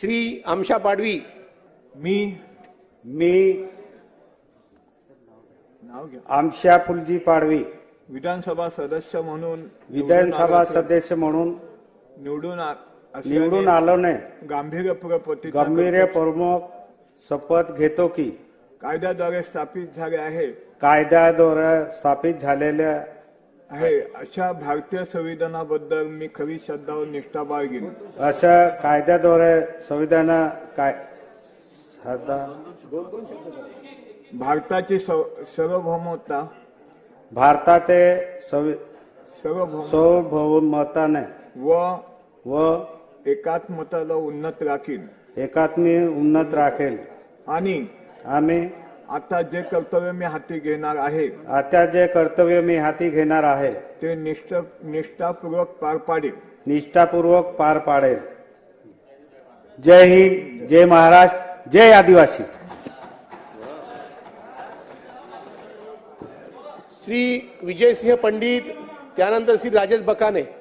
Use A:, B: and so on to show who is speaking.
A: श्री आमशा पाडवी,
B: मी नाव घ्या
C: आमशा फुलजी पाडवी
B: विधानसभा सदस्य म्हणून
C: विधानसभा सदस्य म्हणून निवडून आलो ने
B: गांभीर्यपूर्वक प्रतिज्ञा
C: गंभीरपूर्वक शपथ घेतो की
B: कायद्याद्वारे स्थापित झाले आहे
C: कायद्याद्वारे स्थापित झालेल्या
B: आहे अशा भारतीय संविधानाबद्दल मी खरी श्रद्धा व निष्ठा बाळगीन।
C: अशा कायद्याद्वारे संविधान
B: भारताची सार्वभौमता
C: भारताचे सार्वभौमताने व
B: एकात्मताला उन्नत राखीन
C: एकात्मी उन्नत राखेल
B: आणि
C: आम्ही
B: आता जे कर्तव्य मी हाती घेणार आहे ते निष्ठापूर्वक पार पाडेल।
C: जय हिंद, जय महाराष्ट्र, जय आदिवासी।
A: श्री विजयसिंह पंडित, त्यानंतर श्री राजेश बकाने।